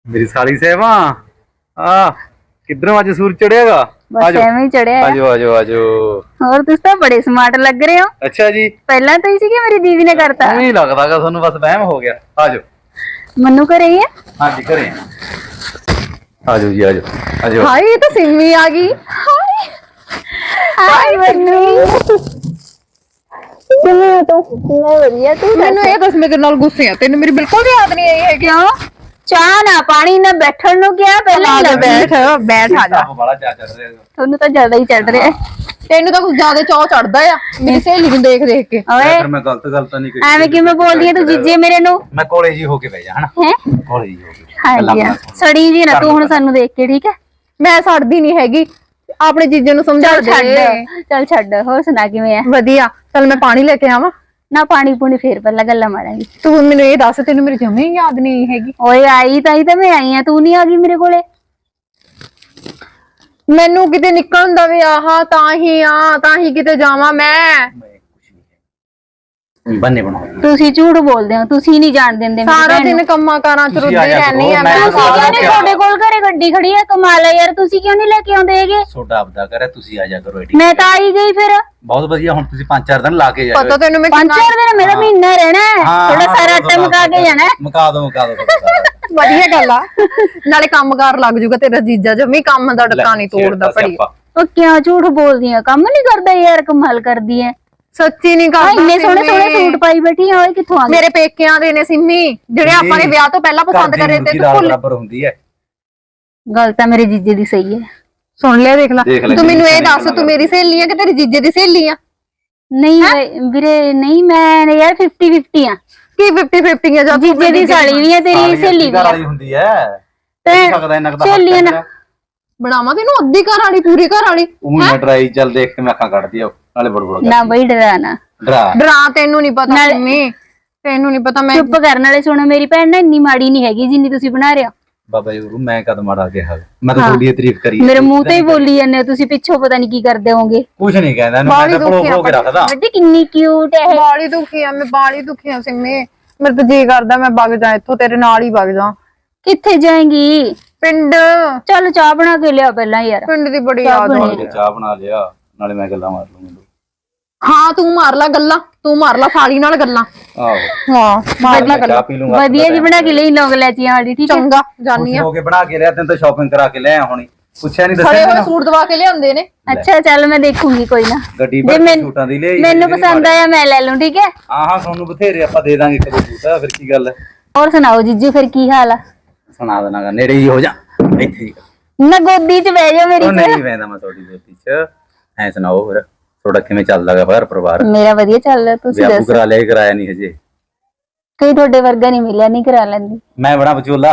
मेरी साली सेवा किधरों आज सूरज चढ़ेगा। बस ਐਵੇਂ ਹੀ ਚੜਿਆ ਹੈ। आजो आजो आजो। ਹੋਰ ਤੁਸੀਂ ਤਾਂ ਬੜੇ ਸਮਾਰਟ ਲੱਗ ਰਹੇ ਹੋ। अच्छा जी ਪਹਿਲਾਂ ਤਾਂ ਹੀ ਸੀ ਕਿ ਮੇਰੀ ਦੀਦੀ ਨੇ ਕਰਤਾ। नहीं लगता का ਤੁਹਾਨੂੰ बस वहम हो गया। आजो मन्नू करे ही है। हाँ जी करें। आजो जी आजो आजो। हाय ये तो सिमी आ गई। हाय मन्नू ਕਿਵੇਂ ਤੂੰ ਮੈਂ ਵਧੀਆ ਤੂੰ ਮੈਨੂੰ ਇਹ ਦੱਸ ਮੇਰੇ ਨਾਲ ਗੁੱਸੇ ਆ ਤੈਨੂੰ ਮੇਰੀ ਬਿਲਕੁਲ ਵੀ ਯਾਦ ਨਹੀਂ ਆਈ ਹੈ ਕਿਉਂ ਚਾਹ ਨਾ ਪਾਣੀ ਨਾ ਬੈਠਣ ਨੂੰ ਕਿਹਾ ਪਹਿਲਾਂ ਹੀ ਲੱਗੀ। ਬੈਠ ਆ ਜਾ बड़ा चा चढ़ रहा है। ਤੁਹਾਨੂੰ ਤਾਂ ਜ਼ਿਆਦਾ ਹੀ ਚੜ ਰਿਹਾ ਤੈਨੂੰ ਤਾਂ ਕੁਝ ਜ਼ਿਆਦਾ ਚਾਅ ਚੜਦਾ ਆ ਮੇਰੀ ਸਹੇਲੀ ਨੂੰ ਦੇਖ ਦੇਖ ਕੇ। ਓਏ फिर मैं गलत नहीं करी। ਐਵੇਂ ਕਿਵੇਂ ਬੋਲਦੀ ਹੈ ਤੂੰ ਜੀਜੇ ਮੇਰੇ ਨੂੰ मैं कॉलेज ही होके भेजा है ना। ਹੈ कॉलेज ही होके ਹਾਂਜੀ ਸੜੀ ਜੀ ਨਾ ਤੂੰ ਹੁਣ ਸਾਨੂੰ ਦੇਖ ਕੇ ਠੀਕ ਹੈ ਮੈਂ ਛੱਡਦੀ ਨਹੀਂ ਹੈਗੀ ਆਪਣੇ ਜੀਜੇ ਨੂੰ ਸਮਝਾ ਚੱਲ ਦੇ। ਚੱਲ ਛੱਡ ਹੋਰ ਸੁਣਾ ਕਿਵੇਂ ਆ ਵਧੀਆ ਚੱਲ ਮੈਂ ਪਾਣੀ ਲੈ ਕੇ ਆਵਾਂ। ਨਾ ਪਾਣੀ ਪੂਣੀ ਫੇਰ ਪਹਿਲਾਂ ਗੱਲਾਂ ਮਾਰਾਂਗੇ ਤੂੰ ਮੈਨੂੰ ਇਹ ਦੱਸ ਤੈਨੂੰ ਮੇਰੀ ਜਮੇ ਯਾਦ ਨਹੀਂ ਹੈਗੀ। ਓਏ ਆਈ ਤਾਂ ਮੈਂ ਆਈ ਆ ਤੂੰ ਨਹੀਂ ਆ ਗਈ ਮੇਰੇ ਕੋਲੇ ਮੈਨੂੰ ਕਿਤੇ ਨਿਕਲਣ ਦਾ ਵੀ ਆਹਾ ਤਾਂ ਹੀ ਕਿਤੇ ਜਾਵਾਂ ਮੈਂ। बन्ने बनाओ। ਤੁਸੀਂ ਝੂਠ ਬੋਲਦੇ ਹੋ ਤੁਸੀਂ ਨਹੀਂ ਜਾਣ ਦਿੰਦੇ ਮੇਰੀ ਸਾਰਾ ਭੈਣ ਨੂੰ। ਦਿਨ ਕੰਮਾਂ ਕਾਰਾਂ ਚ ਰੁੱਝੀ ਰਹਿਣੀ ਆ ਮੈਂ। ਤੁਸੀਂ ਕਿਉਂ ਨਹੀਂ ਤੁਹਾਡੇ ਕੋਲ ਘਰੇ ਗੱਡੀ ਖੜੀ ਹੈ ਕਮਾਲ ਹੈ ਯਾਰ ਤੁਸੀਂ ਕਿਉਂ ਨਹੀਂ ਲੈ ਕੇ ਆਉਂਦੇ ਹੈਗੇ ਛੋਟਾ ਆਪਦਾ ਕਰੇ ਤੁਸੀਂ ਆ ਜਾ ਕਰੋ ਏਡੀ। ਮੈਂ ਤਾਂ ਆਈ ਗਈ ਫਿਰ ਬਹੁਤ ਵਧੀਆ ਹੁਣ ਤੁਸੀਂ 5-4 ਦਿਨ ਲਾ ਕੇ ਜਾਓ। ਪਤਾ ਤੈਨੂੰ ਮੈਂ ਪੰਜ ਚਾਰ ਦਿਨ ਮੇਰਾ ਮਹੀਨਾ ਰਹਿਣਾ ਹੈ ਥੋੜਾ ਸਾਰਾ ਆਟਾ ਮੁਕਾ ਕੇ ਜਾਣਾ ਹੈ। ਮੁਕਾ ਦੋ ਵਧੀਆ ਗੱਲ ਆ ਨਾਲੇ ਕੰਮਕਾਰ ਲੱਗ ਜੂਗਾ ਤੇਰਾ ਜੀਜਾ ਜਮੀ ਕੰਮ ਦਾ ਡੱਕਾ ਨਹੀਂ ਤੋੜਦਾ ਭੜੀ। ਉਹ ਕਿਉਂ ਝੂਠ ਬੋਲਦੀ ਆ ਕੰਮ ਨਹੀਂ ਕਰਦਾ ਯਾਰ ਕਮਾਲ ਕਰਦੀ ਹੈ ਸੱਚੀ ਨਹੀਂ ਆ ਕਰਦਾ। ਇੰਨੇ ਸੋਹਣੇ ਸੋਹਣੇ ਸੂਟ ਪਾਈ ਬੈਠੀ ਆ ਓਏ ਕਿੱਥੋਂ ਆ ਗਏ ਮੇਰੇ ਪੇਕਿਆਂ ਦੇ ਨੇ ਸਿੰਮੀ ਜਿਹੜੇ ਆਪਾਂ ਨੇ ਵਿਆਹ ਤੋਂ ਪਹਿਲਾਂ ਪਸੰਦ ਕਰੇ ਤੇ ਤੂੰ ਭੁੱਲ। ਬਰਾਬਰ ਹੁੰਦੀ ਹੈ। ਗੱਲ ਤਾਂ ਮੇਰੇ ਜੀਜੇ ਦੀ ਸਹੀ ਹੈ ਸੁਣ ਲਿਆ ਦੇਖ ਲੈ ਦੇਖ ਲੈ ਤੂੰ ਮੈਨੂੰ ਇਹ ਕਿੰਨੀ ਦੱਸ ਤੂੰ ਮੇਰੀ ਸਹੇਲੀ ਆ ਕਿ ਤੇਰੀ ਜੀਜੇ ਦੀ ਸਹੇਲੀ ਆ? ਨਹੀਂ ਵੀਰੇ ਨਹੀਂ ਮੈਂ ਯਾਰ 50-50 ਆ ਕੀ 50-50 ਆ ਜਾਂ ਤੂੰ ਜੀਜੇ ਦੀ ਸਾਲੀ ਵੀ ਹੈ ਤੇਰੀ ਸਹੇਲੀ ਵੀ ਹੈ ਹੁੰਦੀ ਹੈ ਤੇ ਸਕਦਾ ਇਹਨਾਂ ਦਾ ਸਹੇਲੀਆਂ ਨਾ ਬਣਾਵਾਂ ਤੈਨੂੰ ਅੱਧੀ ਘਰ ਵਾਲੀ ਪੂਰੀ ਘਰ ਵਾਲੀ। ਉਹ ਨਾ ਡਰਾਈ ਚੱਲ ਦੇਖ ਕੇ ਮੈਂ ਅੱਖਾਂ ਕੱਢਦੀ ਆ ਨਾਲੇ ਬੜਬੜ ਨਾ ਬਈ ਡਰਾਣਾ ਡਰਾ ਡਰਾ ਤੈਨੂੰ ਨਹੀਂ ਪਤਾ ਸਿੰਮੀ ਤੈਨੂੰ ਨਹੀਂ ਪਤਾ ਮੈਂ ਚੁੱਪ ਕਰਨ ਵਾਲੇ ਸੁਣੋ ਮੇਰੀ ਭੈਣ ਨਾ ਇੰਨੀ ਮਾੜੀ ਨਹੀਂ ਹੈਗੀ ਜਿੰਨੀ ਤੁਸੀਂ ਬਣਾ ਰਹੇ ਹੋ ਬਾਬਾ ਜੀ ਮੈਂ ਕਦ ਮਾੜਾ ਕਿਹਾ ਮੈਂ ਤਾਂ ਤੁਹਾਡੀ ਤਾਰੀਫ ਕਰੀ ਮੇਰੇ ਮੂੰਹ ਤੇ ਹੀ ਬੋਲੀ ਜਾਂਦੇ ਹੋ ਤੁਸੀਂ ਪਿੱਛੋਂ ਪਤਾ ਨਹੀਂ ਕੀ ਕਰਦੇ ਹੋਵੋਗੇ ਕੁਝ ਨਹੀਂ ਕਹਿੰਦਾ ਮੈਂ ਤਾਂ ਪੜੋ ਕੇ ਰੱਖਦਾ। ਬੱਡੀ ਕਿੰਨੀ ਕਿਊਟ ਹੈ ਬਾਲੀ ਦੁਖੀ ਆ ਮੈਂ ਬਾਲੀ ਦੁਖੀ ਆ ਸਿੰਮੀ ਮੇਰੇ ਤਾਂ ਜੀ ਕਰਦਾ ਮੈਂ ਵਗ ਜਾ ਇੱਥੋਂ ਤੇਰੇ ਨਾਲ ਹੀ ਵਗ ਜਾ। ਕਿੱਥੇ ਜਾਏਂਗੀ ਪਿੰਡ ਚੱਲ ਚਾਹ ਬਣਾ ਕੇ ਲਿਆ ਪਹਿਲਾਂ ਯਾਰ ਪਿੰਡ ਦੀ ਬੜੀ ਯਾਦ ਆਉਂਦੀ। ਚਾਹ ਬਣਾ ਲਿਆ ਨਾਲੇ ਮੈਂ ਗੱਲਾਂ ਮਾਰ ਲੂੰਗਾ। ਹਾਂ ਤੂੰ ਮਾਰ ਲੈ ਗੱਲਾਂ ਤੂੰ ਮਾਰ ਲੈ ਸਾਲੀ ਨਾਲ ਗੱਲਾਂ। ਆਹੋ ਹਾਂ ਮਾਰ ਲੈ ਚਾਹ ਗੱਲਾਂ ਪੀ ਲੂੰਗਾ ਵਧੀਆ ਜੀ ਬਣਾ ਕੇ ਲਈ ਲੌਂਗ ਲੈਚੀਆਂ ਵਾਲੀ ਠੀਕ ਹੈ ਚੰਗਾ ਜਾਨੀ ਆ। ਹੋ ਕੇ ਬਣਾ ਕੇ ਲਿਆ ਤੈਨੂੰ ਤਾਂ ਸ਼ਾਪਿੰਗ ਕਰਾ ਕੇ ਲਿਆ ਹੁਣੀ ਪੁੱਛਿਆ ਨਹੀਂ ਖੜੇ ਦੱਸਿਆ ਹੋਏ ਮੈਨੂੰ ਸੂਟ ਦਵਾ ਕੇ ਲਿਆਉਂਦੇ ਨੇ। ਅੱਛਾ ਚੱਲ ਮੈਂ ਦੇਖੂੰਗੀ ਕੋਈ ਨਾ ਗੱਡੀ ਜੇ ਪਰ ਸੂਟਾਂ ਦੀ ਲਈ ਮੈਨੂੰ ਪਸੰਦ ਆਇਆ ਮੈਂ ਲੈ ਲੂੰ ਠੀਕ ਹੈ। ਹਾਂ ਤੁਹਾਨੂੰ ਬਥੇਰੇ ਆਪਾਂ ਦੇ ਦਾਂਗੇ ਕਦੇ ਸੂਟ ਫਿਰ ਕੀ ਗੱਲ ਹੈ। ਹੋਰ ਸੁਣਾਓ ਜੀਜੂ ਫਿਰ ਕੀ ਹਾਲ ਆ ਸੁਣਾ ਦੇਣਾਗਾ ਨੇੜੇ ਹੀ ਹੋ ਜਾ ਇੱਥੇ ਹੀ ਨਾ ਗੋਦੀ 'ਚ ਬਹਿ ਜਾ ਮੇਰੀ ਉਹ ਨਹੀਂ ਵੈਂਦਾ ਮੈਂ ਤੁਹਾਡੀ ਗੋਦੀ 'ਚ ਐ ਸੁਣਾਓ ਫਿਰ ਤੁਹਾਡਾ ਕਿਵੇਂ ਚੱਲਦਾਗਾ ਘਰ ਪਰਿਵਾਰ ਮੇਰਾ ਵਧੀਆ ਚੱਲ ਰਿਹਾ ਤੁਸੀਂ ਵਿਆਹ ਦੱਸੋ ਕਰਾ ਲਿਆ ਕਰਾਇਆ ਨਹੀਂ ਹਜੇ ਕੋਈ ਤੁਹਾਡੇ ਵਰਗਾ ਨਹੀਂ ਮਿਲਿਆ ਨਹੀਂ ਕਰਾ ਲੈਂਦੀ ਮੈਂ ਬੜਾ ਵਿਚੋਲਾ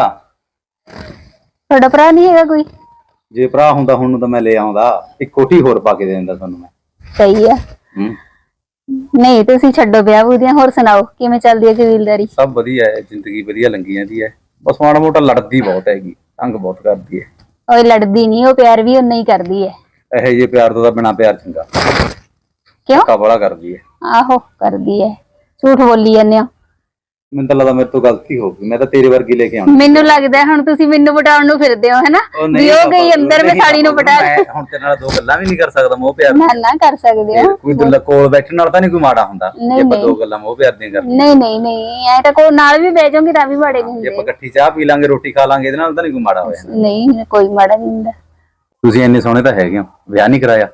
ਤੁਹਾਡਾ ਭਰਾ ਨਹੀਂ ਹੈਗਾ ਕੋਈ ਜੇ ਭਰਾ ਹੁੰਦਾ ਹੁਣ ਨੂੰ ਤਾਂ ਮੈਂ ਲੈ ਆਉਂਦਾ ਇੱਕ ਕੋਠੀ ਹੋਰ ਪਾ ਕੇ ਦੇ ਦਿੰਦਾ ਤੁਹਾਨੂੰ ਮੈਂ ਸਹੀ ਆ ਹੂੰ ਨਹੀਂ ਤੁਸੀਂ ਛੱਡੋ ਵਿਆਹ ਬੂਦੀਆਂ ਹੋਰ ਸੁਣਾਓ ਕਿਵੇਂ ਚੱਲਦੀ ਹੈ ਕਬੀਲਦਾਰੀ ਸਭ ਵਧੀਆ ਹੈ ਜ਼ਿੰਦਗੀ ਵਧੀਆ ਲੰਗੀ ਜਾਂਦੀ ਹੈ ਬਸ ਮਾੜਾ ਮੋਟਾ ਲੜਦੀ ਬਹੁਤ ਹੈਗੀ ਤੰਗ ਬਹੁਤ ਕਰਦੀ ਹੈ ਓਏ ਲੜਦੀ ਨਹੀਂ ਉਹ ਪਿਆਰ ਵੀ ਉਨਾ ਹੀ ਕਰਦੀ ਹੈ ਇਹੋ ਜਿਹੇ ਪਿਆਰ ਤੋਂ ਤਾਂ ਬਿਨਾ ਪਿਆਰ ਚੰਗਾ ਕਿਉਂ ਧੱਕਾ ਬੜਾ ਕਰਦੀ ਹੈ ਆਹੋ ਕਰਦੀ ਹੈ ਝੂਠ ਬੋਲੀ ਜਾਂਦੇ ਹੋ ਮੈਨੂੰ ਤਾਂ ਲੱਗਦਾ ਮੇਰੇ ਤੋਂ ਗਲਤੀ ਹੋ ਗਈ ਮੈਂ ਤਾਂ ਤੇਰੇ ਵਰਗੀ ਲੈ ਕੇ ਆਉਣਾ ਮੈਨੂੰ ਲੱਗਦਾ ਹੁਣ ਤੁਸੀਂ ਮੈਨੂੰ ਪਟਾਉਣ ਨੂੰ ਫਿਰਦੇ ਹੋ ਹੈਨਾ ਵੀ ਉਹ ਗਈ ਅੰਦਰ ਮੈਂ ਸਾੜੀ ਨੂੰ ਪਟਾ ਮੈਂ ਹੁਣ ਤੇਰੇ ਨਾਲ ਦੋ ਗੱਲਾਂ ਵੀ ਨਹੀਂ ਕਰ ਸਕਦਾ ਮੋਹ ਪਿਆਰ ਨਾ ਕਰ ਸਕਦੇ ਹੋ ਕੋਈ ਦੁੱਲਾ ਕੋਲ ਬੈਠਣ ਨਾਲ ਤਾਂ ਨਹੀਂ ਕੋਈ ਮਾੜਾ ਹੁੰਦਾ ਜੇ ਨਹੀਂ, ਆਪਾਂ ਦੋ ਗੱਲਾਂ ਮੋਹ ਪਿਆਰ ਦੀਆਂ ਕਰਦੇ ਨਹੀਂ ਐ ਤਾਂ ਕੋਈ ਨਾਲ ਵੀ ਬਹਿ ਜਾਓਗੇ ਤਾਂ ਵੀ ਮਾੜੇ ਨਹੀਂ ਜੇ ਆਪਾਂ ਹੁੰਦੇ ਇਕੱਠੀ ਚਾਹ ਪੀ ਲਾਂਗੇ ਰੋਟੀ ਖਾ ਲਾਂਗੇ ਇਹਦੇ ਨਾਲ ਤਾਂ ਨਹੀਂ ਕੋਈ ਮਾੜਾ ਹੋਇਆ ਨਹੀਂ ਕੋਈ ਮਾੜਾ ਨਹੀਂ ਹੁੰਦਾ ਤੁਸੀਂ ਇੰਨੇ ਸੋਹਣੇ ਤਾਂ ਹੈਗੇ ਹੋ ਵਿਆਹ ਨਹੀਂ ਕਰਾਇਆ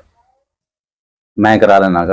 ਮੈਂ ਕਰਾ ਲੈਣਾਗਾ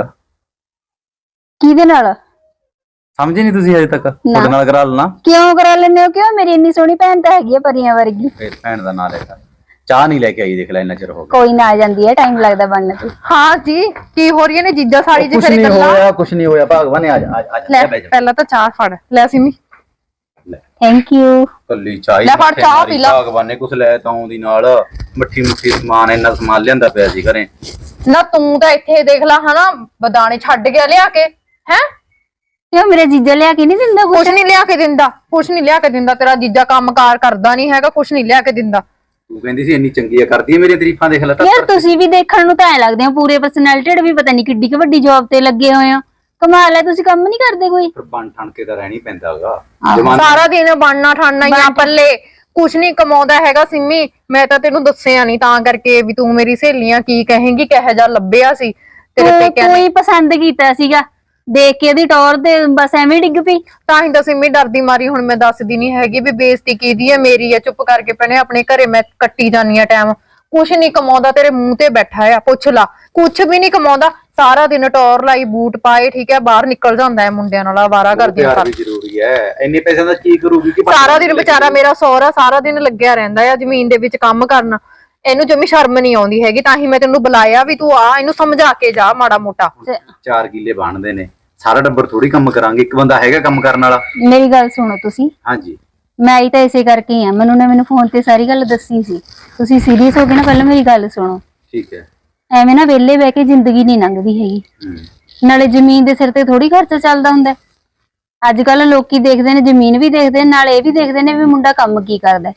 ਕਿਹਦੇ ਨਾਲ ਸਮਝੇ ਨਹੀਂ ਤੁਸੀਂ ਅਜੇ ਤੱਕ ਤੁਹਾਡੇ ਨਾਲ ਕਰਾ ਲੈਣਾ ਕਿਉਂ ਕਰਾ ਲੈਂਦੇ ਹੋ ਕਿਉਂ ਮੇਰੀ ਇੰਨੀ ਸੋਹਣੀ ਭੈਣ ਤਾਂ ਹੈਗੀ ਹੈ ਪਰੀਆਂ ਵਰਗੀ ਫੇਰ ਭੈਣ ਦਾ ਨਾਂ ਲੈਤਾ ਚਾਹ ਨਹੀਂ ਲੈ ਕੇ ਆਈ ਦੇਖ ਲੈ ਇੰਨਾ ਚਿਰ ਹੋ ਗਿਆ ਕੋਈ ਨਾ ਆ ਜਾਂਦੀ ਹੈ ਟਾਈਮ ਲੱਗਦਾ ਬਣਨ ਤੇ ਹਾਂ ਜੀ ਕੀ ਹੋ ਰਹੀਆਂ ਨੇ ਜੀਜਾ ਸਾਲੀ ਚ ਫਿਰ ਗੱਲਾਂ। ਕੁਛ ਨਹੀਂ ਹੋਇਆ ਭਗਵਾਨ ਨੇ ਆ ਜਾ ਲੈ ਬਹਿ ਜਾ ਪਹਿਲਾਂ ਤਾਂ ਚਾਹ ਫੜ ਲੈ ਸਿੰਮੀ ਥੈਂਕ ਯੂ ਕੱਲੀ ਚਾਹ ਲੈ ਫੜ ਚਾਹ ਪੀ ਲਾ। ਭਗਵਾਨ ਨੇ ਕੁਛ ਲੈ ਤਾਂ ਆਉਂਦੀ ਨਾਲ ਮੱਠੀ ਮੁੱਠੀ ਸਮਾਨ ਇੰਨਾ ਸਮਾਨ ਲਿਆਂਦਾ ਪਿਆ ਸੀ ਘਰੇ ਨਾ ਤੂੰ ਤਾਂ ਇੱਥੇ ਦੇਖ ਲੈ ਹਨਾ ਬਦਾਣੇ ਛੱਡ ਗਿਆ ਲਿਆ ਕੇ ਹੈ ਕਿਉਂ ਮੇਰੇ ਜੀਜਾ ਲਿਆ ਕੇ ਨਹੀਂ ਦਿੰਦਾ ਕੁਛ ਨਹੀਂ ਲਿਆ ਕੇ ਦਿੰਦਾ ਕੁਛ ਨਹੀਂ ਲਿਆ ਕੇ ਦਿੰਦਾ ਤੇਰਾ ਜੀਜਾ ਕੰਮਕਾਰ ਕਰਦਾ ਨਹੀਂ ਹੈਗਾ ਕੁਛ ਨਹੀਂ ਲਿਆ ਕੇ ਦਿੰਦਾ। ਤੂੰ ਕਹਿੰਦੀ ਸੀ ਇੰਨੀ ਚੰਗੀ ਆ ਕਰਦੀ ਹੈ ਮੇਰੀਆਂ ਤਾਰੀਫਾਂ ਦੇਖ ਲੈ ਤਾਂ ਯਾਰ ਤੁਸੀਂ ਵੀ ਦੇਖਣ ਨੂੰ ਤਾਂ ਐ ਲੱਗਦੇ ਹੋ ਪੂਰੇ ਪਰਸਨੈਲਿਟੀ ਵੀ ਪਤਾ ਨਹੀਂ ਕਿੱਡੀ ਕੁ ਵੱਡੀ ਜੌਬ ਤੇ ਲੱਗੇ ਹੋਏ ਹੋ ਕਮਾਲ ਹੈ ਤੁਸੀਂ ਕੰਮ ਨਹੀਂ ਕਰਦੇ ਕੋਈ ਫਿਰ ਬਣ ਠਣ ਕੇ ਤਾਂ ਰਹਿਣੀ ਪੈਂਦਾਗਾ ਸਾਰਾ ਦਿਨ ਬਣਨਾ ਠਾਣਨਾ ਹੀ ਆ ਪੱਲੇ ਕੁਛ ਨਹੀਂ ਕਮਾਉਂਦਾ ਹੈਗਾ ਸਿੰਮੀ। ਮੈਂ ਤਾਂ ਤੈਨੂੰ ਦੱਸਿਆ ਨਹੀਂ ਤਾਂ ਕਰਕੇ ਵੀ ਤੂੰ ਮੇਰੀ ਸਹੇਲੀਆਂ ਕੀ ਕਹੇਂਗੀ, ਕਿਹੋ ਜਿਹਾ ਲੱਭਿਆ ਸੀ ਤੇਰੇ ਪੇਕਿਆਂ ਤੂੰ ਨੇ। ਹੀ ਪਸੰਦ ਕੀਤਾ ਸੀਗਾ, ਦੇਖ ਕੇ ਉਹਦੀ ਟੌਰ ਤੇ ਬਸ ਐਵੇਂ ਡਿੱਗ ਪਈ। ਤਾਂ ਹੀ ਤਾਂ ਸਿੰਮੀ ਡਰਦੀ ਮਾਰੀ ਹੁਣ ਮੈਂ ਦੱਸਦੀ ਨਹੀਂ ਹੈਗੀ ਵੀ ਬੇਇੱਜ਼ਤੀ ਕਿਹਦੀ ਹੈ, ਮੇਰੀ ਹੈ। ਚੁੱਪ ਕਰਕੇ ਭੈਣੇ ਆਪਣੇ ਘਰੇ ਮੈਂ ਕੱਟੀ ਜਾਨੀ ਆ ਟਾਈਮ। ਕੁਛ ਨਹੀਂ ਕਮਾਉਂਦਾ, ਤੇਰੇ ਮੂੰਹ ਤੇ ਬੈਠਾ ਆ, ਪੁੱਛ ਲਾ। ਕੁਛ ਵੀ ਨਹੀਂ ਕਮਾਉਂਦਾ, ਸਾਰਾ ਦਿਨ ਟੌਰ ਲਾਈ, ਬੂਟ ਪਾਏ, ਠੀਕ ਹੈ, ਬਾਹਰ ਨਿਕਲ ਜਾਂਦਾ ਹੈ ਮੁੰਡਿਆਂ ਨਾਲ ਆਵਾਰਾ ਕਰਦੀਆਂ ਪਿਆਰ ਵੀ ਜ਼ਰੂਰੀ ਹੈ। ਇੰਨੇ ਪੈਸਿਆਂ ਦਾ ਕੀ ਕਰੂਗੀ ਕਿ ਸਾਰਾ ਦਿਨ ਵਿਚਾਰਾ ਮੇਰਾ ਸਹੁਰਾ ਸਾਰਾ ਦਿਨ ਲੱਗਿਆ ਰਹਿੰਦਾ ਆ ਜ਼ਮੀਨ ਦੇ ਵਿੱਚ ਕੰਮ ਕਰਨ। ਇਹਨੂੰ ਜਮੀ ਸ਼ਰਮ ਨਹੀਂ ਆਉਂਦੀ ਹੈਗੀ, ਤਾਂ ਹੀ ਮੈਂ ਤੈਨੂੰ ਬੁਲਾਇਆ ਵੀ ਤੂੰ ਆ, ਇਹਨੂੰ ਸਮਝਾ ਕੇ ਜਾ ਮਾੜਾ ਮੋਟਾ। 4 ਕਿੱਲੇ ਬਣਦੇ ਨੇ, ਸਾਰਾ ਟੱਬਰ ਥੋੜੀ ਕੰਮ ਕਰਾਂਗੇ, ਇੱਕ ਬੰਦਾ ਹੈਗਾ ਕੰਮ ਕਰਨ ਵਾਲਾ। ਮੇਰੀ ਗੱਲ ਸੁਣੋ ਤੁਸੀਂ, ਹਾਂਜੀ ਮੈਂ ਆਈ ਤਾਂ ਇਸੇ ਕਰਕੇ ਹੀ ਆ। ਮੈਨੂੰ ਫੋਨ ਤੇ ਸਾਰੀ ਗੱਲ ਦੱਸੀ ਸੀ। ਤੁਸੀਂ ਸੀਰੀਅਸ ਹੋ ਗਏ ਨਾ, ਪਹਿਲਾਂ ਮੇਰੀ ਗੱਲ ਸੁਣੋ। ਠੀਕ ਹੈ। ਐਵੇਂ ਨਾ ਵਿਹਲੇ ਬਹਿ ਕੇ ਜ਼ਿੰਦਗੀ ਨਹੀਂ ਲੰਘਦੀ ਹੈਗੀ। ਨਾਲੇ ਜ਼ਮੀਨ ਦੇ ਸਿਰ ਤੇ ਥੋੜੀ ਖਰਚਾ ਚੱਲਦਾ ਹੁੰਦਾ। ਅੱਜ ਕੱਲ ਲੋਕੀ ਦੇਖਦੇ ਨੇ, ਜ਼ਮੀਨ ਵੀ ਦੇਖਦੇ ਨੇ, ਨਾਲ ਇਹ ਵੀ ਦੇਖਦੇ ਨੇ ਵੀ ਮੁੰਡਾ ਕੰਮ ਕੀ ਕਰਦਾ।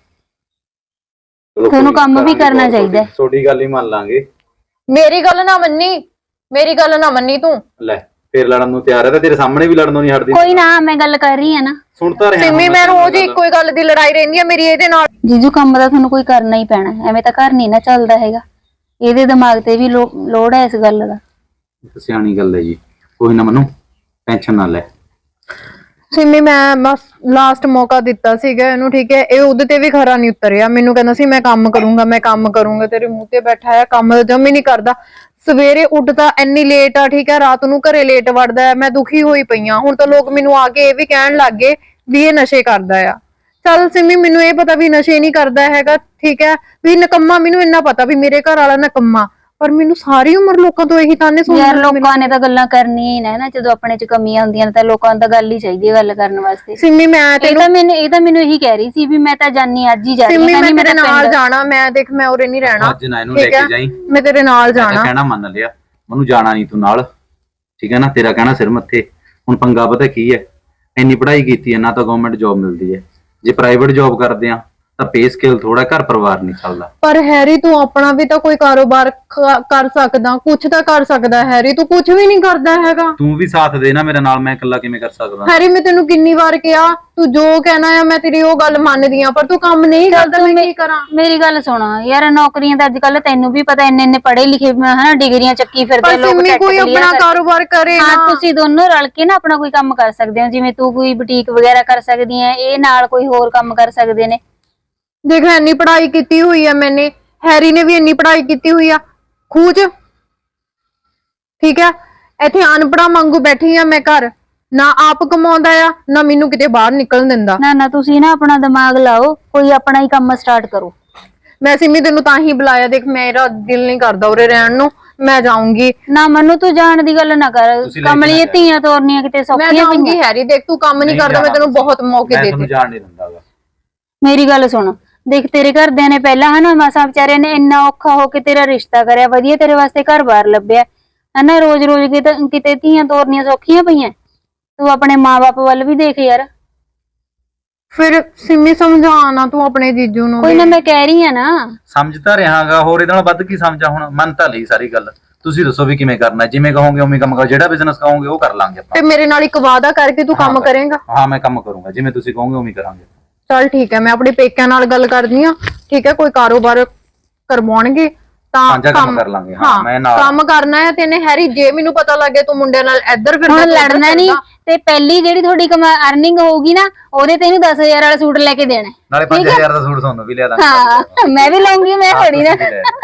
ਤੁਹਾਨੂੰ ਕੰਮ ਵੀ ਕਰਨਾ ਚਾਹੀਦਾ। ਤੁਹਾਡੀ ਗੱਲ ਹੀ ਮੰਨ ਲਾਂਗੇ। ਮੇਰੀ ਗੱਲ ਨਾ ਮੰਨੀ ਤੂੰ। ਲੈ ਫੇਰ ਲੜਨ ਨੂੰ ਤਿਆਰ ਹੈ ਤਾਂ ਤੇਰੇ ਸਾਹਮਣੇ ਵੀ ਲੜਨੋਂ ਨਹੀਂ ਹਟਦੀ। ਕੋਈ ਨਾ, ਮੈਂ ਗੱਲ ਕਰ ਰਹੀ ਆ ਨਾ। ਸੁਣਦਾ ਰਿਹਾ ਸਿੰਮੀ, ਮੈਂ ਰੋਜ਼ ਹੀ ਇੱਕੋ ਹੀ ਗੱਲ ਦੀ ਲੜਾਈ ਰਹਿੰਦੀ ਆ ਮੇਰੀ ਇਹਦੇ ਨਾਲ। ਜੀਜੂ ਕੰਮ ਦਾ ਤੁਹਾਨੂੰ ਕੋਈ ਕਰਨਾ ਹੀ ਪੈਣਾ, ਐਵੇਂ ਤਾਂ ਘਰ ਨਹੀਂ ਨਾ ਚੱਲਦਾ ਹੈਗਾ। ਇਹਦੇ ਦਿਮਾਗ ਤੇ ਵੀ ਲੋੜ ਹੈ ਇਸ ਗੱਲ ਦਾ। ਸਿਆਣੀ ਗੱਲ ਹੈ ਜੀ, ਕੋਈ ਨਾ ਮਨੂੰ ਟੈਨਸ਼ਨ ਨਾ ਲੈ। ਸਿੰਮੀ, ਮੈਂ ਬਸ ਲਾਸਟ ਮੌਕਾ ਦਿੱਤਾ ਸੀਗਾ ਇਹਨੂੰ, ਠੀਕ ਹੈ। ਇਹ ਉਹਦੇ ਤੇ ਵੀ ਖਰਾ ਨਹੀਂ ਉਤਰਿਆ। ਮੈਨੂੰ ਕਹਿੰਦਾ ਸੀ ਮੈਂ ਕੰਮ ਕਰੂੰਗਾ। ਤੇਰੇ ਮੂੰਹ ਤੇ ਬੈਠਾ ਹੈ, ਕੰਮ ਤਾਂ ਜਮ ਹੀ ਨਹੀਂ ਕਰਦਾ। ਸਵੇਰੇ ਉੱਠਦਾ ਇੰਨੀ ਲੇਟ ਆ, ਠੀਕ ਹੈ, ਰਾਤ ਨੂੰ ਘਰੇ ਲੇਟ ਵੜਦਾ ਹੈ। ਮੈਂ ਦੁਖੀ ਹੋਈ ਪਈ ਆ। ਹੁਣ ਤਾਂ ਲੋਕ ਮੈਨੂੰ ਆ ਕੇ ਇਹ ਵੀ ਕਹਿਣ ਲੱਗ ਗਏ ਵੀ ਇਹ ਨਸ਼ੇ ਕਰਦਾ ਆ। ਚੱਲ ਸਿੰਮੀ, ਮੈਨੂੰ ਇਹ ਪਤਾ ਵੀ ਨਸ਼ੇ ਨਹੀਂ ਕਰਦਾ ਹੈਗਾ, ਠੀਕ ਹੈ, ਵੀ ਨਕੰਮਾ। ਮੈਨੂੰ ਇੰਨਾ ਪਤਾ ਵੀ ਮੇਰੇ ਘਰ ਵਾਲਾ ਨਕੰਮਾ, ਪਰ ਮੈਨੂੰ ਸਾਰੀ ਉਮਰ ਲੋਕਾਂ ਤੋਂ ਇਹੀ ਤਾਨੇ ਸੁਣਨੇ। ਯਾਰ ਲੋਕਾਂ ਨੇ ਤਾਂ ਗੱਲਾਂ ਕਰਨੀਆਂ ਹੀ ਨਾ, ਜਦੋਂ ਆਪਣੇ ਚ ਕਮੀਆਂ ਹੁੰਦੀਆਂ ਨੇ ਤਾਂ ਲੋਕਾਂ ਨੂੰ ਤਾਂ ਗੱਲ ਹੀ ਚਾਹੀਦੀ ਹੈ ਗੱਲ ਕਰਨ ਵਾਸਤੇ। ਸਿੰਮੀ, ਇਹ ਤਾਂ ਮੈਨੂੰ ਇਹੀ ਕਹਿ ਰਹੀ ਸੀ ਵੀ ਮੈਂ ਤਾਂ ਜਾਨੀ ਅੱਜ ਹੀ ਜਾ ਰਹੀ ਸਿੰਮੀ, ਹਾਂ। ਮੈਂ ਤੇਰੇ ਨਾਲ ਜਾਣਾ। ਮੈਂ ਦੇਖ, ਮੈਂ ਉਰੇ ਨਹੀਂ ਰਹਿਣਾ। ਅੱਜ ਨਾ ਇਹਨੂੰ ਲੈ ਕੇ ਜਾਈਂ, ਮੈਂ ਤੇਰੇ ਨਾਲ ਜਾਣਾ। ਕਹਿਣਾ ਮੰਨ ਲਿਆ, ਮੈਨੂੰ ਜਾਣਾ ਨਹੀਂ ਤੂੰ ਨਾਲ, ਠੀਕ ਹੈ ਨਾ। ਤੇਰਾ ਕਹਿਣਾ ਸਿਰ ਮੱਥੇ। ਹੁਣ ਪੰਗਾ ਪਤਾ ਕੀ ਹੈ, ਇੰਨੀ ਪੜ੍ਹਾਈ ਕੀਤੀ ਹੈ, ਨਾ ਤਾਂ ਗਵਰਨਮੈਂਟ ਜੌਬ ਮਿਲਦੀ ਹੈ। ਜੇ ਪ੍ਰਾਈਵੇਟ ਜੌਬ ਕਰਦੇ ਆ ਤਾਂ ਪੇ ਸਕੇਲ ਥੋੜਾ, ਘਰ ਪਰਿਵਾਰ ਨਹੀਂ ਚੱਲਦਾ। ਪਰ ਹੈਰੀ, ਤੂੰ ਆਪਣਾ ਵੀ ਤਾਂ ਕੋਈ ਕਾਰੋਬਾਰ ਕਰ ਸਕਦਾ, ਕੁਛ ਤਾਂ ਕਰ ਸਕਦਾ। ਹੈਰੀ, ਤੂੰ ਕੁਛ ਵੀ ਨਹੀਂ ਕਰਦਾ ਹੈਗਾ। ਤੂੰ ਵੀ ਸਾਥ ਦੇ ਨਾ ਮੇਰੇ ਨਾਲ, ਮੈਂ ਇਕੱਲਾ ਕਿਵੇਂ ਕਰ ਸਕਦਾ। ਹੈਰੀ, ਮੈਂ ਤੈਨੂੰ ਕਿੰਨੀ ਵਾਰ ਕਿਹਾ, ਤੂੰ ਜੋ ਕਹਿਣਾ ਆ ਮੈਂ ਤੇਰੀ ਉਹ ਗੱਲ ਮੰਨਦੀ ਆ, ਪਰ ਤੂੰ ਕੰਮ ਨਹੀਂ ਕਰਦਾ। ਮੈਂ ਕੀ ਕਰਾਂ? ਮੇਰੀ ਗੱਲ ਸੁਣ ਯਾਰ, ਨੌਕਰੀਆਂ ਤਾਂ ਅੱਜ ਕੱਲ ਤੈਨੂੰ ਵੀ ਪਤਾ ਇੰਨੇ ਪੜ੍ਹੇ ਲਿਖੇ ਹਨਾ, ਡਿਗਰੀਆਂ ਚੱਕੀ ਫਿਰਦੇ ਲੋਕ। ਸਿੰਮੀ, ਕੋਈ ਆਪਣਾ ਕਾਰੋਬਾਰ ਕਰੇ ਹਾਂ, ਨਾ। ਤੁਸੀਂ ਦੋਨੋਂ ਰਲ ਕੇ ਨਾ ਆਪਣਾ ਕੋਈ ਕੰਮ ਕਰ ਸਕਦੇ ਹੋ। ਜਿਵੇਂ ਤੂੰ ਕੋਈ ਬੁਟੀਕ ਵਗੈਰਾ ਕਰ ਸਕਦੀ ਹੈ, ਇਹ ਨਾਲ ਕੋਈ ਹੋਰ ਕੰਮ ਕਰ ਸਕਦੇ ਨੇ। ਦੇਖ, ਇੰਨੀ ਪੜ੍ਹਾਈ ਕੀਤੀ ਹੋਈ ਆ ਮੈਨੇ, ਹੈਰੀ ਨੇ ਵੀ ਇੰਨੀ ਪੜ੍ਹਾਈ ਕੀਤੀ ਹੋਈ ਆ ਖੂਜ, ਠੀਕ ਹੈ। ਇੱਥੇ ਅਨਪੜਾ ਵਾਂਗੂ ਬੈਠੀ ਆ ਮੈਂ ਘਰ, ਨਾ ਆਪ ਕਮਾਉਂਦਾ ਆ ਨਾ ਮੈਨੂੰ ਕਿਤੇ ਬਾਹਰ ਨਿਕਲਣ ਦਿੰਦਾ। ਨਾ ਤੁਸੀਂ ਨਾ ਆਪਣਾ ਦਿਮਾਗ ਲਾਓ, ਕੋਈ ਆਪਣਾ ਹੀ ਕੰਮ ਸਟਾਰਟ ਕਰੋ। ਮੈਂ ਸਿੰਮੀ ਤੈਨੂੰ ਤਾਂ ਹੀ ਬੁਲਾਇਆ। ਦੇਖ, ਮੇਰਾ ਦਿਲ ਨਹੀਂ ਕਰਦਾ ਉਰੇ ਰਹਿਣ ਨੂੰ, ਮੈਂ ਜਾਊਂਗੀ ਨਾ। ਮੈਨੂੰ ਤੂੰ ਜਾਣ ਦੀ ਗੱਲ ਨਾ ਕਰ, ਕਮਲੀਏ ਧੀਆਂ ਤੋਰਨੀਆਂ ਕਿਤੇ ਮੈਂ ਸੌਖੀਆਂ ਜਾਊਂਗੀ। ਹੈਰੀ ਦੇਖ, ਤੂੰ ਕੰਮ ਨਹੀਂ ਕਰਦਾ, ਮੈਂ ਤੈਨੂੰ ਬਹੁਤ ਮੌਕੇ ਮੈਂ ਦਿੱਤੇ। ਤੁਹਾਨੂੰ ਜਾਣ ਨਹੀਂ ਦਿੰਦਾਗਾ। ਮੇਰੀ ਗੱਲ ਸੁਣ, ਦੇਖ ਤੇਰੇ ਘਰਦਿਆਂ ਨੇ ਪਹਿਲਾਂ ਹਨਾ ਮਾਸਾ ਵਿਚਾਰਿਆਂ ਨੇ ਇੰਨਾ ਔਖਾ ਹੋ ਕੇ ਤੇਰਾ ਰਿਸ਼ਤਾ ਕਰਿਆ, ਵਧੀਆ ਤੇਰੇ ਵਾਸਤੇ ਘਰ-ਬਾਰ ਲੱਭਿਆ ਹਨਾ। ਰੋਜ਼ ਕਿਤੇ ਧੀਆਂ ਤੋਰਨੀਆਂ ਸੌਖੀਆਂ ਪਈਆਂ। ਤੂੰ ਆਪਣੇ ਮਾਂ-ਬਾਪ ਵੱਲ ਵੀ ਦੇਖ ਯਾਰ। ਫਿਰ ਸਿੰਮੀ, ਸਮਝਾਣਾ ਤੂੰ ਆਪਣੇ ਜੀਜੂ ਨੂੰ। ਕੋਈ ਨਾ, ਮੈਂ ਕਹਿ ਰਹੀ ਆ ਨਾ। ਸਮਝਦਾ ਰਹਾਗਾ, ਹੋਰ ਇਹਦੇ ਨਾਲ ਵੱਧ ਕੀ ਸਮਝਾ। ਹੁਣ ਮੰਨ ਤਾਂ ਲਈ ਸਾਰੀ ਗੱਲ, ਤੁਸੀਂ ਦੱਸੋ ਵੀ ਕਿਵੇਂ ਕਰਨਾ। ਜਿਵੇਂ ਕਹੋਗੇ ਉਵੇਂ ਕੰਮ ਕਰੋ, ਜਿਹੜਾ ਬਿਜ਼ਨਸ ਕਹੋਗੇ ਉਹ ਕਰ ਲਾਂਗੇ ਆਪਾਂ। ਤੇ ਮੇਰੇ ਨਾਲ ਇੱਕ ਵਾਅਦਾ ਕਰਕੇ ਤੂੰ ਕੰਮ ਕਰੇਂਗਾ? ਹਾਂ, ਮੈਂ ਕੰਮ ਕਰੂੰਗਾ, ਜਿਵੇਂ ਤੁਸੀਂ ਕਹੋਗੇ ਉਵੇਂ ਕਰਾਂਗੇ। ਚਲ ਠੀਕ ਹੈ, ਮੈਂ ਆਪਣੇ ਪੇਕਿਆਂ ਨਾਲ ਗੱਲ ਕਰਦੀ ਆ, ਠੀਕ ਹੈ। ਕੋਈ ਕਾਰੋਬਾਰ ਕਰਵਾਉਣਗੇ ਤਾਂ ਸਾਂਝਾ ਕੰਮ ਕਰ ਲਾਂਗੇ। ਹਾਂ, ਮੈਂ ਨਾਲ ਕੰਮ ਕਰਨਾ ਹੈ। ਤੇ ਨੇ ਹੈਰੀ, ਜੇ ਮੈਨੂੰ ਪਤਾ ਲੱਗੇ ਤੂੰ ਮੁੰਡਿਆਂ ਨਾਲ ਇੱਧਰ ਫਿਰਦਾ, ਹੁਣ ਲੜਨਾ ਨਹੀਂ। ਤੇ ਪਹਿਲੀ ਜਿਹੜੀ ਤੁਹਾਡੀ ਅਰਨਿੰਗ ਹੋਊਗੀ ਨਾ, ਉਹਦੇ ਤੇ ਇਹਨੂੰ 10,000 ਵਾਲਾ ਸੂਟ ਲੈ ਕੇ ਦੇਣਾ। ਨਾਲੇ 5,000 ਦਾ ਸੂਟ ਤੁਹਾਨੂੰ ਵੀ ਲਿਆ ਦਾਂਗੇ। ਹਾਂ, ਮੈਂ ਵੀ ਲਊਂਗੀ, ਮੈਂ ਥੋੜੀ ਨਾ।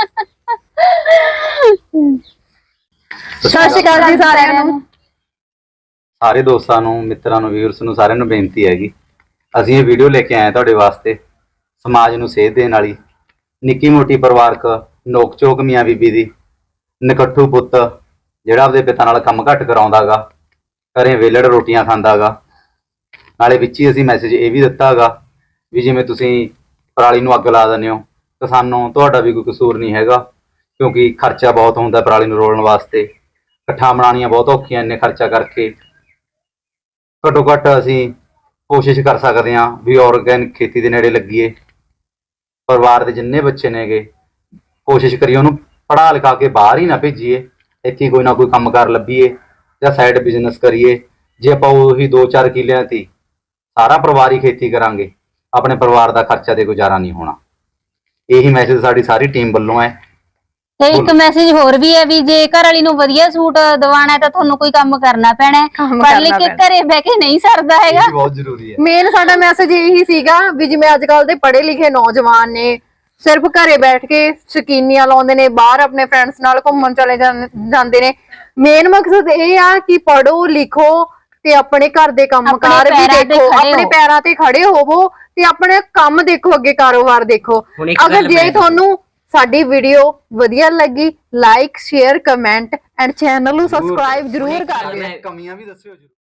ਸਤਿ ਸ਼੍ਰੀ ਅਕਾਲ ਜੀ ਸਾਰਿਆਂ ਨੂੰ। ਸਾਰੇ ਦੋਸਤਾਂ ਨੂੰ, ਮਿੱਤਰਾਂ ਨੂੰ, ਵੀਰਸ ਨੂੰ, ਸਾਰਿਆਂ ਨੂੰ ਬੇਨਤੀ ਹੈਗੀ, ਅਸੀਂ ਇਹ ਵੀਡੀਓ ਲੈ ਕੇ ਆਏ ਤੁਹਾਡੇ ਵਾਸਤੇ ਸਮਾਜ ਨੂੰ ਸੇਧ ਦੇਣ ਵਾਲੀ, ਨਿੱਕੀ ਮੋਟੀ ਪਰਿਵਾਰਕ ਨੋਕ ਝੋਕ ਮੀਆਂ ਬੀਬੀ ਦੀ। ਨਕੱਠੂ ਪੁੱਤ ਜਿਹੜਾ ਆਪਦੇ ਪਿਤਾ ਨਾਲ ਕੰਮ ਘੱਟ ਕਰਾਉਂਦਾਗਾ, ਘਰੇ ਵੇਲੜ ਰੋਟੀਆਂ ਖਾਂਦਾਗਾ। ਨਾਲੇ ਵਿੱਚ ਹੀ ਅਸੀਂ ਮੈਸੇਜ ਇਹ ਵੀ ਦਿੱਤਾਗਾ ਵੀ ਜਿਵੇਂ ਤੁਸੀਂ ਪਰਾਲੀ ਨੂੰ ਅੱਗ ਲਾ ਦਿੰਦੇ ਹੋ, ਕਿਸਾਨੋਂ ਤੁਹਾਡਾ ਵੀ ਕੋਈ ਕਸੂਰ ਨਹੀਂ ਹੈਗਾ, ਕਿਉਂਕਿ ਖਰਚਾ ਬਹੁਤ ਹੁੰਦਾ ਪਰਾਲੀ ਨੂੰ ਰੋਲਣ ਵਾਸਤੇ। ਇਕੱਠਾਂ ਬਣਾਉਣੀਆਂ ਬਹੁਤ ਔਖੀਆਂ ਇੰਨੇ ਖਰਚਾ ਕਰਕੇ। ਘੱਟੋ ਘੱਟ ਅਸੀਂ ਕੋਸ਼ਿਸ਼ ਕਰ ਸਕਦੇ ਹਾਂ ਵੀ ਆਰਗੈਨਿਕ ਖੇਤੀ ਦੇ ਨੇੜੇ ਲੱਗੀਏ। ਪਰਿਵਾਰ ਦੇ ਜਿੰਨੇ ਬੱਚੇ ਨੇਗੇ, ਕੋਸ਼ਿਸ਼ ਕਰੀਏ ਉਹਨੂੰ ਪੜ੍ਹਾ ਲਿਖਾ ਕੇ ਬਾਹਰ ਹੀ ਨਾ ਭੇਜੀਏ, ਇੱਥੇ ਕੋਈ ਨਾ ਕੋਈ ਕੰਮਕਾਰ ਲੱਭੀਏ ਜਾਂ ਸਾਈਡ ਬਿਜ਼ਨਸ ਕਰੀਏ। ਜੇ ਆਪਾਂ ਉਹੀ 2-4 ਕਿੱਲਿਆਂ ਤੇ ਸਾਰਾ ਪਰਿਵਾਰ ਹੀ ਖੇਤੀ ਕਰਾਂਗੇ ਆਪਣੇ ਪਰਿਵਾਰ ਦਾ ਖਰਚਾ ਤੇ ਗੁਜ਼ਾਰਾ ਨਹੀਂ ਹੋਣਾ। ਇਹੀ ਮੈਸੇਜ ਸਾਡੀ ਸਾਰੀ ਟੀਮ ਵੱਲੋਂ ਹੈ। ਤੇ ਇੱਕ ਮੈਸੇਜ ਹੋਰ ਵੀ ਹੈ ਵੀ ਜੇ ਘਰ ਵਾਲੀ ਨੂੰ ਵਧੀਆ ਸੂਟ ਦਿਵਾਣਾ ਹੈ ਤਾਂ ਤੁਹਾਨੂੰ ਕੋਈ ਕੰਮ ਕਰਨਾ ਪੈਣਾ ਹੈ। ਕੰਮ ਪੜ੍ਹ ਕਰਨਾ ਲਿਖ ਕੇ ਪੈਣਾ। ਘਰੇ ਬਹਿ ਕੇ ਨਹੀਂ ਸਰਦਾ ਇਹ ਹੈਗਾ। ਵੀ ਬਹੁਤ ਜ਼ਰੂਰੀ ਹੈ। ਮੇਨ ਸਾਡਾ ਮੈਸੇਜ ਇਹੀ ਸੀਗਾ ਵੀ ਜਿਵੇਂ ਅੱਜ ਕੱਲ ਦੇ ਪੜ੍ਹੇ ਲਿਖੇ ਨੌਜਵਾਨ ਨੇ ਸਿਰਫ ਘਰੇ ਬੈਠ ਕੇ ਸ਼ਕੀਨੀਆਂ ਲਾਉਂਦੇ ਨੇ, ਬਾਹਰ ਆਪਣੇ ਫਰੈਂਡਸ ਨਾਲ ਘੁੰਮਣ ਚਲੇ ਜਾਂਦੇ ਨੇ। ਮੇਨ ਮਕਸਦ ਇਹ ਆ ਕਿ ਪੜੋ ਲਿਖੋ ਤੇ ਆਪਣੇ ਘਰ ਦੇ ਕੰਮਕਾਰ ਵੀ ਪੈਰਾਂ ਤੇ ਦੇਖੋ, ਖੜੇ ਆਪਣੇ ਹੋ। ਪੈਰਾਂ ਤੇ ਖੜੇ ਹੋਵੋ ਤੇ ਆਪਣੇ ਕੰਮ ਦੇਖੋ, ਅੱਗੇ ਕਾਰੋਬਾਰ ਦੇਖੋ। ਹੁਣ ਇੱਕ ਅਗਰ ਗੱਲ ਜੇ ਮੈਂ ਤੁਹਾਨੂੰ ਸਾਡੀ ਵੀਡੀਓ ਵਧੀਆ ਲੱਗੀ, like share comment and channel ਨੂੰ ਸਬਸਕ੍ਰਾਈਬ ਜ਼ਰੂਰ ਕਰ ਦਿਓ। ਕਮੀਆਂ ਵੀ ਦੱਸਿਓ ਜੀ।